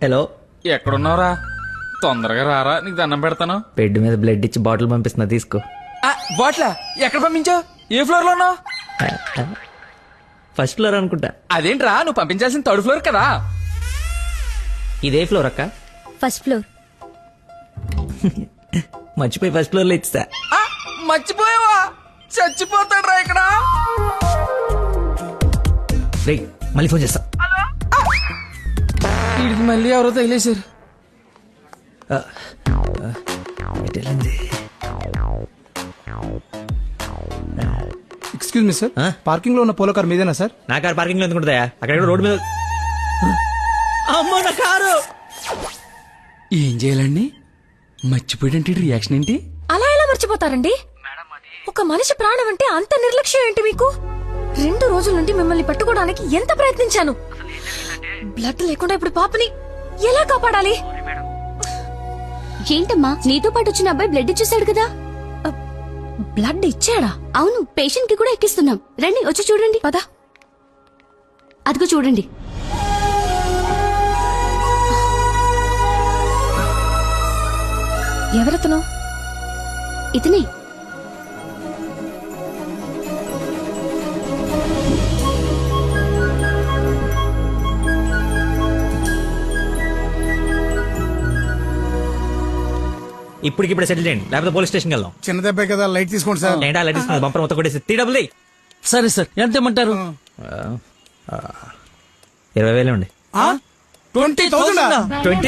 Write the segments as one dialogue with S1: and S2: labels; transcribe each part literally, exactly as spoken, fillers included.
S1: Hello,
S2: ఎక్కడున్నావురా? తొందరగా రారా, నీకు దండం పెడతాను.
S1: బెడ్ మీద బ్లడ్ ఇచ్చి బాటిల్ పంపిస్తున్నా, తీసుకో.
S2: బాట్లా ఎక్కడ పంపించావు? ఏ ఫ్లోర్ లో ఉన్నావు?
S1: ఫస్ట్ ఫ్లోర్ అనుకుంటా.
S2: అదేంట్రా, నువ్వు పంపించాల్సిన థర్డ్ ఫ్లోర్ కదా.
S1: ఇదే ఫ్లోర్ అక్క.
S3: First floor.
S1: మర్చిపోయి ఫస్ట్ ఫ్లోర్ లో ఇచ్చా.
S2: ఆ, మర్చిపోయావా? చచ్చిపోతాడు రా ఇక్కడ.
S1: రేయ్, మళ్ళీ ఫోన్ చేస్తా.
S2: వీడికి మళ్ళీ ఎవరో తగిలేశారు.
S4: ఎక్స్క్యూజ్ మీ సార్, పార్కింగ్ లో ఉన్న పోలో కార్ మీదేనా సార్?
S1: నా కారు పార్కింగ్ లో ఎందుకుంటుందా? అక్కడ రోడ్ మీద. అమ్మో నా కారు.
S2: ఏం చేయాలండి? మర్చిపోయాడంటే రియాక్షన్ ఏంటి?
S3: అలా ఎలా మర్చిపోతారండి? ఒక మనిషి ప్రాణం అంటే అంత నిర్లక్ష్యం ఏంటి మీకు? రెండు రోజుల నుండి మిమ్మల్ని పట్టుకోవడానికి ఎంత ప్రయత్నించాను. బ్లడ్ లేకుండా ఇప్పుడు పాపని ఎలా కాపాడాలి?
S5: ఏంటమ్మా, నీతో పాటు వచ్చిన అబ్బాయి బ్లడ్ ఇచ్చేసాడు కదా?
S3: బ్లడ్ ఇచ్చాడా?
S5: అవును, పేషెంట్ కి కూడా ఎక్కిస్తున్నాం. రండి, వచ్చి చూడండి.
S3: పద.
S5: అదిగో చూడండి.
S3: ఎవరతను?
S5: ఇతనే.
S1: ఇప్పటికిప్పుడు సెటిల్ చేయండి, లేకపోతే పోలీస్ స్టేషన్ వెళ్దాం.
S4: చిన్న దెబ్బే కదా, లైట్ తీసుకోండి సార్.
S1: ఏంటా లైట్ ఇస్తుంది? బంపర్ మొత్తం కొట్టేసి త్రీ డబుల్.
S2: సరే సార్, ఎంత ఇమ్మంటారు?
S1: ఇరవై వేలు అండి.
S4: Twenty thousand
S1: twenty.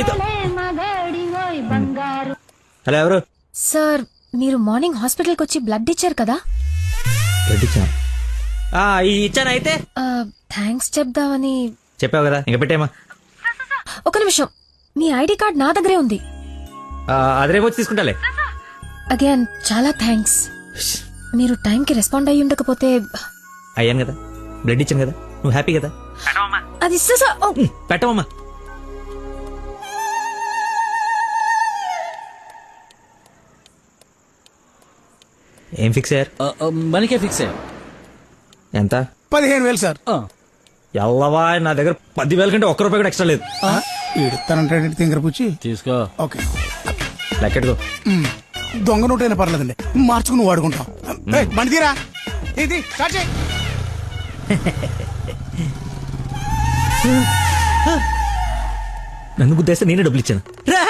S1: హలో, ఎవరు?
S3: సార్, మీరు మార్నింగ్ హాస్పిటల్కి వచ్చి బ్లడ్ ఇచ్చారు కదా?
S1: బ్లడ్ ఇచ్చాను. ఇచ్చాను. అయితే
S3: థ్యాంక్స్ చెప్దామని.
S1: చెప్పావు కదా, ఇంకా పెట్టేమా.
S3: ఒక నిమిషం, మీ ఐడి కార్డ్ నా దగ్గరే ఉంది.
S1: అది రేపు వచ్చి తీసుకుంటాలే.
S3: అగైన్ చాలా థ్యాంక్స్. మీరు టైంకి రెస్పాండ్ అయ్యి ఉండకపోతే.
S1: అయ్యాను కదా, బ్లడ్ ఇచ్చాను కదా, నువ్వు హ్యాపీ కదా.
S3: అది
S1: పెట్టవమ్మా. ఏం ఫిక్స్ అయ్యారు?
S2: మనకే ఫిక్స్ అయ్యారు.
S1: ఎంత?
S4: పదిహేను వేలు సార్.
S1: ఎల్లవా, నా దగ్గర పదివేల కంటే ఒక్క రూపాయి కూడా ఎక్స్ట్రా లేదు.
S4: ఇడతానంటే తింగర పుచ్చి
S2: తీసుకో.
S4: ఓకే,
S1: లెక్కెట్టుకో.
S4: దొంగ నోట్ అయినా పర్లేదండి, మార్చుకుని వాడుకుంటాం. బండి తీరా, ఇది స్టార్ట్ చేయి.
S1: నన్ను గుద్దేస్తే నేనే డబ్బులు ఇచ్చాను.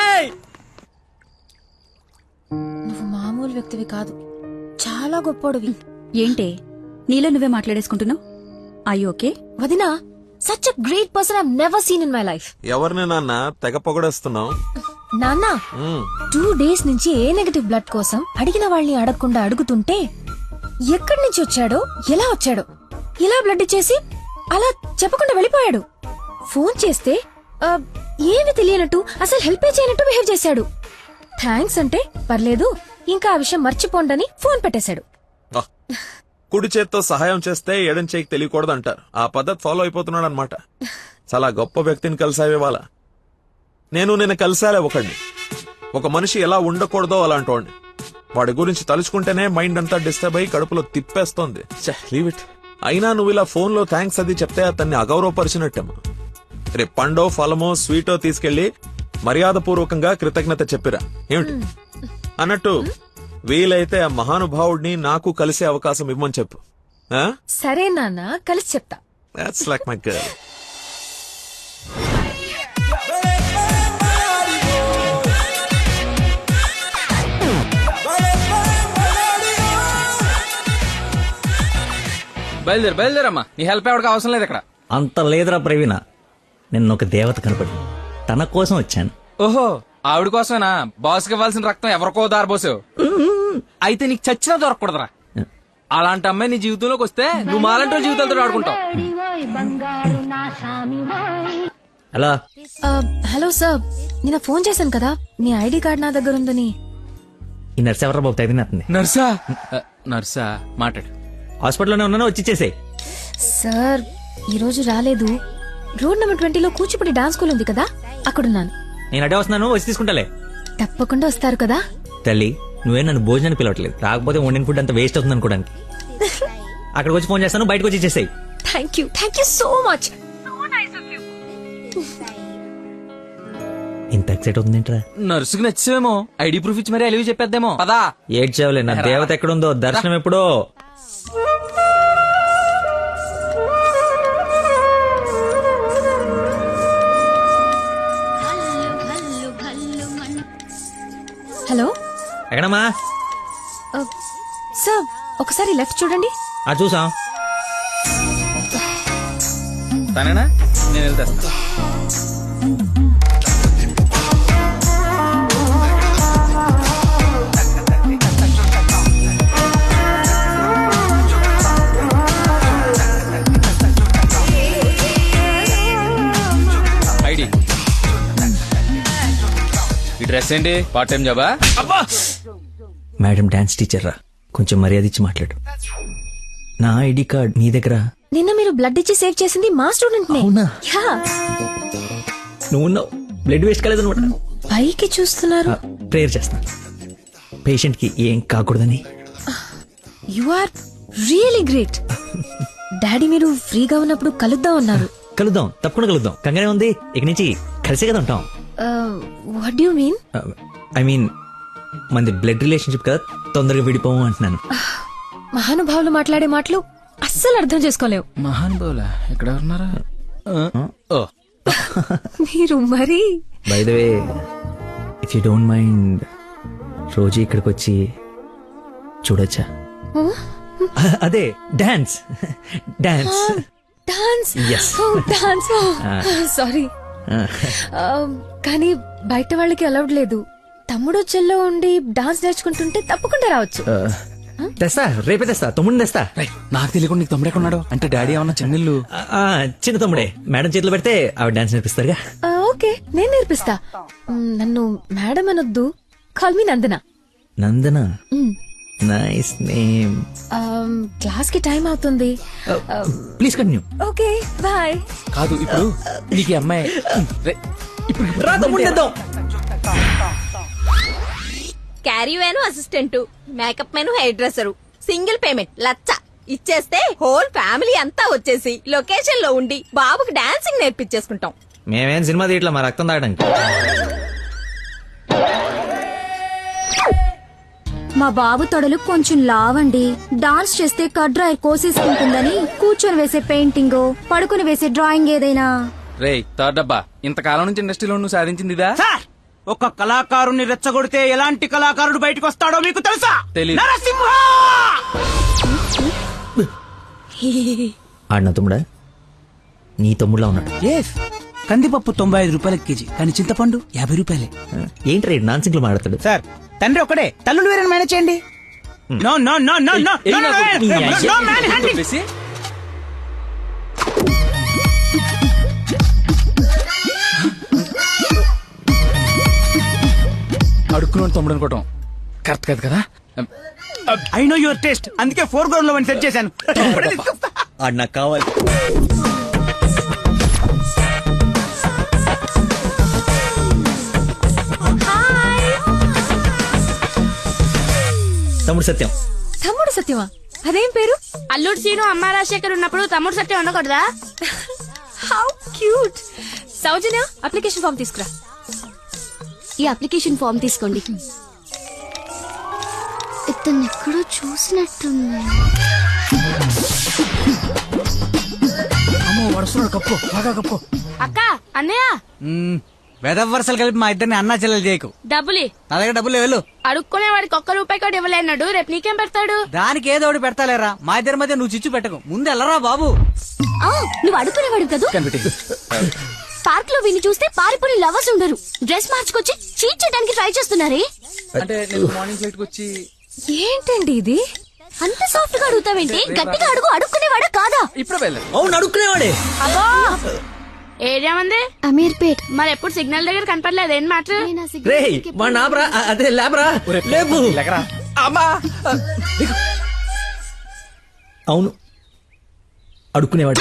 S3: నువ్వు మామూలు వ్యక్తివి కాదు, చాలా గొప్పోడివి.
S5: ఏంటే నీలో నువ్వే మాట్లాడేసుకుంటున్నావు? I okay?
S3: వదినా, such a great person I never seen in my life.
S6: ఎవరిని నాన్న తెగ పొగడేస్తున్నావు?
S3: నాన్న, టూ డేస్ నుంచి ఏ నెగటివ్ బ్లడ్ కోసం అడిగిన వాళ్ళని అడగకుండా అడుగుతుంటే ఎక్కడి నుంచి వచ్చాడో, ఎలా వచ్చాడో, ఇలా బ్లడ్ ఇచ్చేసి అలా చెప్పకుండా వెళ్ళిపోయాడు. ఫోన్ చేస్తే ఆ, ఏమి తెలియనట్టు, అసలు హెల్ప్ చేయనట్టు బిహేవ్ చేశాడు. థ్యాంక్స్ అంటే పర్లేదు, ఇంకా ఆ విషయం మర్చిపోండని ఫోన్ పెట్టేశాడు.
S6: కుడి చేత్తో సహాయం చేస్తే ఎడం చేయికి తెలియకూడదు అంటారు. ఆ పద్ధతి ఫాలో అయిపోతున్నాడు అనమాట. చాలా గొప్ప వ్యక్తిని కలిసావే ఇవాళ. నేను నిన్న కలిసాలే ఒకడిని. ఒక మనిషి ఎలా ఉండకూడదో అలాంటి వాడిని. వాడి గురించి తలుచుకుంటేనే మైండ్ అంతా డిస్టర్బ్ అయ్యి కడుపులో తిప్పేస్తోంది. Leave it. అయినా నువ్వు ఇలా ఫోన్ లో థ్యాంక్స్ అది చెప్తే అతన్ని అగౌరవపరిచినట్టేమో. రేపు పండో ఫలమో స్వీటో తీసుకెళ్లి మర్యాద పూర్వకంగా కృతజ్ఞత చెప్పిరా. ఏమిటి అన్నట్టు వీలైతే ఆ మహానుభావుడిని నాకు కలిసే అవకాశం ఇవ్వమని చెప్పు.
S3: సరే నాన్న, కలిసి చెప్తా.
S6: That's like my girl.
S2: బయలుదేరు బయలుదేరమ్మా, నీ హెల్ప్ ఎవరికి అవసరం లేదు ఇక్కడ.
S1: అంత లేదురా ప్రవీణ, నిన్న ఒక దేవత కనపడి తన కోసం వచ్చాను.
S2: ఓహో, ఆవిడ కోసమేనా? బాస్కి ఇవ్వాల్సిన రక్తం ఎవరికో దారబోసావు. అయితే నీకు చచ్చినా దొరకకూడదురా. అలాంటి అమ్మాయి నీ జీవితంలోకి వస్తే నువ్వు మాలంటో జీవితాలతో ఆడుకుంటావు.
S1: హలో.
S3: హలో సార్, నిన్న ఫోన్ చేశాను కదా, మీ ఐడి కార్డ్ నా దగ్గర ఉందని.
S1: ఈ నర్స్ ఎవరా బాబు తగినట్టుంది?
S2: నర్సా? నర్సా, మాట్లాడు.
S1: హాస్పిటల్లోనే ఉన్నాను, వచ్చి ఇచ్చేసేయ్.
S3: సార్, ఈ రోజు రాలేదు. రోడ్ నెంబర్ ట్వంటీలో కూచిపూడి డాన్స్ స్కూల్ ఉంది కదా, అక్కడున్నాను.
S1: నేను అడే వస్తున్నాను, వచ్చి తీసుకుంటాలే.
S3: తప్పకుండా వస్తారు కదా.
S1: తల్లి, నువ్వే నన్ను భోజనాన్ని పిలవట్లేదు, రాకపోతే వండిన ఫుడ్ అంత వేస్ట్ అవుతుంది అనుకోడానికి. అక్కడికి వచ్చి ఫోన్ చేస్తాను, బయటకు వచ్చి ఇచ్చేసేయ్.
S3: Thank you, thank you so much.
S1: ఇంత ఎక్సైట్ అవుతుంది ఏంట్రా?
S2: నర్సుకి నచ్చేమో ఐడి ప్రూఫ్ ఇచ్చి మరీ అలివి చెప్పేద్దేమో పదా.
S1: ఏడ్చావులే, నా దేవత ఎక్కడుందో దర్శనం ఎప్పుడో.
S3: హలో
S1: ఎక్కడమ్మా?
S3: సార్ ఒకసారి లెఫ్ట్ చూడండి.
S1: ఆ చూసాం.
S2: తనేనా? నేను వెళ్తా. ఐడి ఈ డ్రెస్ ఏంటి? పార్ట్ టైం జాబా?
S1: మేడం డాన్స్ టీచర్ రా, కొంచెం మర్యాద ఇచ్చి మాట్లాడు. నా ఐడి కార్డ్ నీ దగ్గర.
S3: నిన్న మీరు బ్లడ్ ఇచ్చి సేవ్ చేసింది మా స్టూడెంట్ నే.
S1: అవునా?
S3: యా.
S1: నువ్వు ఉన్నావు, బ్లడ్ వేస్ట్ కాలేదు అనమాట.
S3: పైకి చూస్తున్నారు.
S1: ప్రేయర్ చేస్తా, పేషెంట్ కి ఏం కాకూడదని.
S3: You are really great. Daddy మీరు ఫ్రీగా ఉన్నప్పుడు కలుద్దాం అన్నారు.
S1: కలుద్దాం, తప్పకుండా కలుద్దాం. కంగానే ఉంది, ఇక నుంచి కలిసే కదా ఉంటాం.
S3: What you mean?
S1: I mean మనది బ్లడ్ రిలేషన్షిప్ కదా, తొందరగా విడిపోము అంటున్నాను.
S3: మహానుభావులు మాట్లాడే మాటలు అస్సలు అర్థం చేసుకోలేవు.
S2: మహానుభావులా? ఎక్కడ ఉన్నారా? ఓ
S3: మీరు మరి
S1: by the way, if you don't mind, రోజు ఇక్కడికి వచ్చి చూడొచ్చా? అదే dance dance
S3: dance.
S1: Yes.
S3: Dance. Sorry, కానీ బయట వాళ్ళకి అలౌడ్ లేదు. తమ్ముడు చెల్లో ఉండి డాన్స్ నేర్చుకుంటుంటే తప్పకుండా రావచ్చు.
S1: తెస్తా, రేపే తెస్తా, తమ్ముడిని తెస్తా.
S2: రేయ్, నాకు తెలియకుండా నీకు తమ్ముడు ఎక్కడున్నాడు? అంటే డాడీ ఏమన్నా చెన్నెళ్ళు?
S1: ఆ, చిన్న తమ్ముడే, మేడం చేతిలో పెడితే ఆవిడ డాన్స్ నేర్పిస్తారుగా.
S3: ఆ, ఓకే, నేను నేర్పిస్తా. మ్, నన్ను మేడం అనొద్దు, call me Nandana.
S1: Nandana, nice name.
S3: Class కి టైం అవుతుంది.
S1: Please continue.
S3: Okay, bye.
S2: కాదు, ఇప్పుడు నీకు ఈ అమ్మాయి రేయ్, ఇప్పుడు
S1: రా తమ్ముడిని తెద్దాం.
S7: Carry van assistant, makeup man hair dresser, single payment లచ్చ ఇచ్చేస్తే హోల్ ఫ్యామిలీ అంతా వచ్చేసి లొకేషన్ లో ఉండి బాబుకి డాన్సింగ్ నేర్పించేసుకుంటాం.
S1: మేమేం సినిమా తీయట్లా, మా రక్తం తాగడానికి.
S5: మా బాబు తొడలు కొంచెం లావండి. డాన్స్ చేస్తే కడ్రాయి కోసేసుకుంటుందని కూర్చొని వేసే పెయింటింగ్, పడుకుని వేసే డ్రాయింగ్ ఏదైనా.
S2: రేయ్ థర్డ్ డబ్బా, ఇంతకాలం నుంచి ఇండస్ట్రీలో నువ్వు సాధించింది ఇదా?
S8: సార్, ఒక కళాకారుని రెచ్చగొడితే ఎలాంటి కళాకారుడు బయటకు వస్తాడో మీకు తెలుసా?
S2: తెలీదు.
S8: నరసింహ!
S1: ఆడిన తమ్ముడా? నీ తమ్ముడులా ఉన్నాడు.
S8: ఎస్, కందిపప్పు తొంభై ఐదు రూపాయల కేజీ, కానీ చింతపండు యాభై రూపాయలే.
S1: ఏంటి రేడు నాన్ సింగ్ లో మాట్లాడతాడు?
S8: సార్, తండ్రి ఒకడే, తల్లులు వేరే మేనేజ్ చేయండి. No no no no no
S2: ఏయ్,
S8: నో
S2: నాకు నీ
S8: నో
S2: అయ్య-
S8: నో మ్యాన్ హ్యాండింగ్.
S2: చెప్పేసి అడుక్కున్నాడు తమ్ముడు అనుకోవటం కరెక్ట్ కాదు కదా.
S8: ఐ నో యువర్ టేస్ట్, అందుకే ఫోర్ గ్రౌండ్ లో సెట్ చేశాను. ఇప్పుడే తీసుకొస్తా.
S1: ఆడు నాకు కావాలి. తమ్ముడు సత్యం.
S3: తమ్ముడు సత్యమా? అదేం పేరు?
S9: అల్లుడు సీను అమ్మ రాజశేఖర్ ఉన్నప్పుడు తమ్ముడు సత్యం ఉండకూడదా?
S3: How cute. Soujanya, application form తీసుకురా.
S5: ఈ అప్లికేషన్ ఫామ్ తీసుకోండి. ఇతను ఎక్కడో చూసినట్టుంది.
S8: అమ్మో, వడుస్తున్నాడు. కప్పు బాగా కప్పు.
S9: అక్క, అన్నయ్య
S8: వెదవ వరుసలు కలిపి మా ఇద్దరిని అన్నా చెల్లెలు చేయకు.
S9: డబ్బులి
S8: నా దగ్గర డబ్బులు వెళ్ళు.
S9: అడుక్కునే వాడికి ఒక్క రూపాయి కూడా ఇవ్వలేన్నాడు. రేపు నీకేం పెడతాడు?
S8: దానికి ఏదో ఒకటి పెడతాలేరా, మా ఇద్దరి మధ్య నువ్వు చిచ్చు పెట్టకు. ముందు వెళ్ళరా బాబు.
S5: ఆ, నువ్వు అడుగునేవాడు కదా.
S2: కనిపెట్టి
S5: పార్క్ లో విని చూస్తే పారిపోయి లవర్స్ ఉండరు. డ్రెస్ మార్చుకొచ్చి చీట్ చేయడానికి ట్రై చేస్తున్నారే.
S2: అంటే నేను మార్నింగ్ ఫ్లైట్ కి వచ్చి
S3: ఏంటండి ఇది?
S5: అంత సాఫ్ట్ గా అడుగుతావేంటి? గట్టిగా అడుగు. అడుక్కునేవాడా కాదా?
S2: ఇప్పుడు వెళ్ళాను.
S1: అవును, అడుక్కునేవాడే.
S9: అబ్బో, ఏరియా ఉంది
S5: అమీర్పేట్.
S9: మరి ఎప్పుడు సిగ్నల్ దగ్గర కనపడలేదు. ఏం మాట?
S1: రే మా నాబరా, అదే లేబరా, లేపు.
S2: అమ్మా,
S1: అవును, అడుక్కునేవాడు.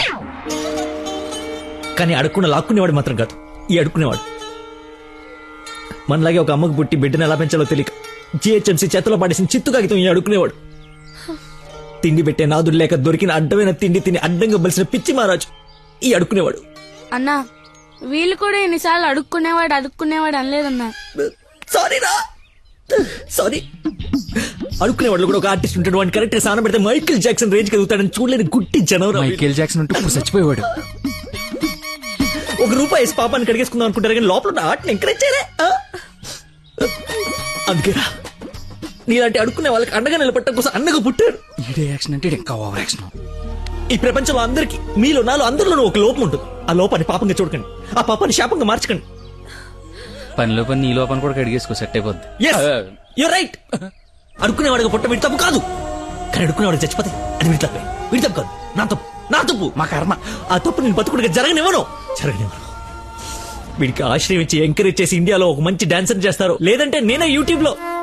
S1: కానీ అడుక్కున్న లాక్కునేవాడు మాత్రం కాదు, ఈ అడుక్కునేవాడు. మనలాగే ఒక అమ్మకు పుట్టి బిడ్డను ఎలా పెంచాలో తెలియక జిహెచ్ఎంసీ చేతిలో పడేసిన చిత్తు కాగితం ఈ అడుక్కునేవాడు. తిండి పెట్టే నాదుడు లేక దొరికిన అడ్డమైన తిండి తిని అడ్డంగా బలిసిన పిచ్చి మహారాజు ఈ అడుక్కునేవాడు.
S9: అన్నా, వీళ్ళు కూడా ఎన్నిసార్లు అడుక్కునేవాడు అడుక్కునేవాడు అనలేదన్నా.
S1: సారీ రా సారీ. అడుక్కునే వాళ్ళు కూడా ఒక ఆర్టిస్ట్ ఉంటాడు, వాడిని కరెక్ట్ గా సాన పెడితే మైకేల్ జాక్సన్ రేంజ్ కలుగుతాడని చూడలేని గుట్టి జనం.
S2: మైకేల్ జాక్సన్ ఉంటూ ఇప్పుడు చచ్చిపోయేవాడు.
S1: ఒక రూపాయి వేసి పాపాన్ని కడిగేసుకుందాం అనుకుంటారు కానీ లోపల ఉన్న ఆర్ట్ని ఎంకరేజ్ చేయలే. ఆ? అందుకేరా నీలాంటి అడుక్కునే వాళ్ళకి అండగా నిలబట్టడం కోసం అన్నగా పుట్టారు.
S2: ఈడే యాక్షన్ అంటే ఈడు ఇంకా ఓవర్ యాక్షన్.
S1: ఈ ప్రపంచంలో అందరికి మీలో నాలో అందరిలోనూ ఒక లోపం ఉంటుంది. ఆ లోపాన్ని పాపంగా చూడకండి, ఆ పాపాన్ని శాపంగా మార్చకండి.
S2: పనిలో పని నీ లోపల కూడా కడిగేసుకో, సెట్ అయిపోద్ది.
S1: You right. అడుక్కునేవాడిగా పుట్ట వీడి తప్పు కాదు, కానీ అడుక్కునేవాడు చచ్చిపోతే అది వీడి తప్పే. వీడి తప్పు కాదు, నా తప్పు, నా తప్పు,
S2: మా కర్మ.
S1: ఆ తప్పు నేను బతుకుడిగా జరగనివ్వను, జరగనివ్వను. వీడికి ఆశ్రయం ఇచ్చి ఎంకరేజ్ చేసి ఇండియాలో ఒక మంచి డాన్సర్ చేస్తారు, లేదంటే నేనే యూట్యూబ్ లో